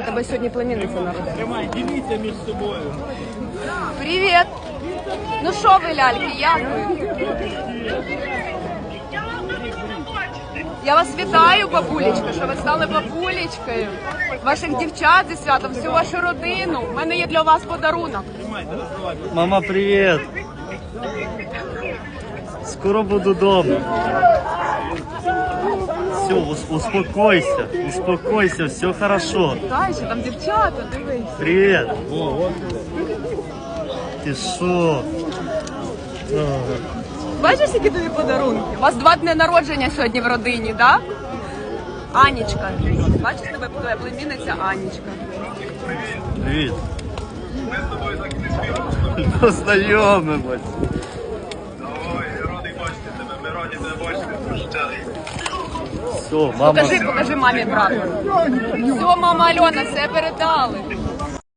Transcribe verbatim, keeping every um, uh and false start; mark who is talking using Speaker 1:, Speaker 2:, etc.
Speaker 1: тебе сьогодні племінниця народила.
Speaker 2: Тримай, діліться між собою.
Speaker 1: Привіт! Ну що ви, ляльки, як ви? Я вас вітаю, бабулечка, що ви стали бабулечкою. Ваших дівчат зі святом, всю вашу родину. У мене є для вас подарунок.
Speaker 3: Мама, привет! Скоро буду дома. Все, успокойся, успокойся, все хорошо.
Speaker 1: Дай, що там дівчата, дивись.
Speaker 3: Привет! Ти що?
Speaker 1: Бачиш, які тобі подарунки? У вас два дні народження сьогодні в родині, так? Да? Анічка. Бачиш, тебе твоя племінниця Анічка.
Speaker 3: Привіт. Познайомимось.
Speaker 4: Ой, я радий бачити тебе, ми раді тебе бачити.
Speaker 3: Все, мама.
Speaker 1: Покажи, покажи мамі, брат. Все, мама Альона, все передали.